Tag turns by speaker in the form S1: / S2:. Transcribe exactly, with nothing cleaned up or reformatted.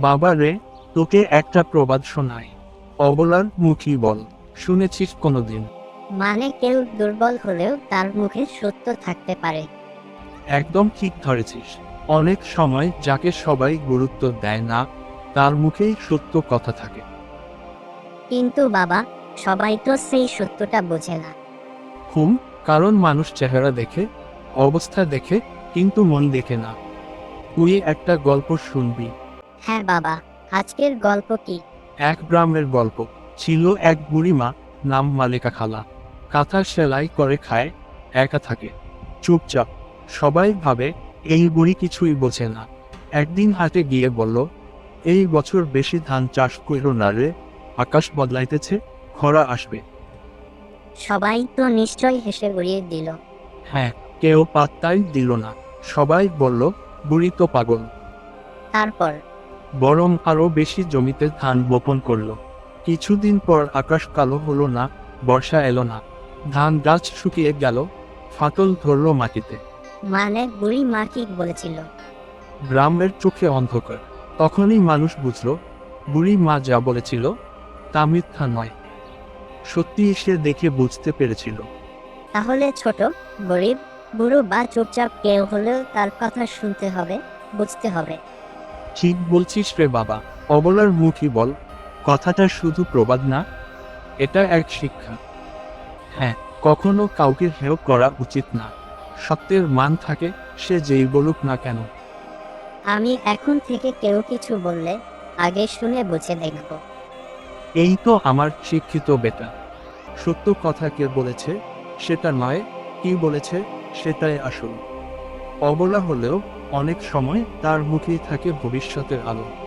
S1: বাবা রে, তোকে একটা প্রবাদ শোনাই। অবলার মুখী বল, শুনেছিস কোনোদিন?
S2: মানে কেউ দুর্বল হলেও তার মুখে সত্য থাকতে পারে।
S1: একদম ঠিক ধরেছিস। অনেক সময় যাকে সবাই গুরুত্ব দেয় না, তার মুখেই সত্য কথা থাকে।
S2: কিন্তু বাবা, সবাই তো সেই সত্যটা বোঝে না।
S1: হুম, কারণ মানুষ চেহারা দেখে, অবস্থা দেখে, কিন্তু মন দেখে না। তুই একটা গল্প শুনবি।
S2: হ্যাঁ বাবা, আজকের গল্প কি?
S1: এক গ্রামের গল্প। ছিল এক বুড়িমা, নাম মালেকা খালা। কাঁথা সেলাই করে খায়, একা থাকে, চুপচাপ। সবাই ভাবে এই বুড়ি কিছুই বোঝে না। একদিন হাটে গিয়ে বলল, এই বছর বেশি ধান চাষ কইর না রে, আকাশ বদলাইতেছে, খরা আসবে।
S2: সবাই তো নিশ্চয় হেসে উড়িয়ে দিল।
S1: হ্যাঁ, কেউ পাত্তাই দিল না। সবাই বলল, বুড়ি তো পাগল।
S2: তারপর?
S1: বরং আরো বেশি জমিতে ধান বপন করলো। কিছুদিন পর আকাশ কালো হলো না, বর্ষা এলো না। ধান গাছ শুকিয়ে গেল, ফাটল ধরলো মাটিতে।
S2: মানে বুড়ি মা কি বলেছিল?
S1: গ্রামের চোখে অন্ধকার। তখনই মানুষ বুঝলো, বুড়ি মা যা বলেছিল তা মিথ্যা নয়। সত্যি সে দেখে বুঝতে পেরেছিল।
S2: তাহলে ছোট, গরিব, বুড়ো বা চুপচাপ কেউ হলেও তার কথা শুনতে হবে, বুঝতে হবে।
S1: ঠিক বলছিস রে বাবা। অবলার মুখী বল, কথাটা শুধু প্রবাদ না, এটা এক শিক্ষা। হ্যাঁ, কখনো কাউকে হেয় করা উচিত না। সত্যের মান থাকে, সে যেই বলুক না কেন।
S2: আমি এখন থেকে কেউ কিছু বললে আগে শুনে বুঝে দেখব।
S1: এই তো আমার শিক্ষিত বেটা। সত্য কথা কে বলেছে সেটা নয়, কি বলেছে সেটাই আসল। অবলা হলেও অনেক সময় তার মুখেই থাকে ভবিষ্যতের আলো।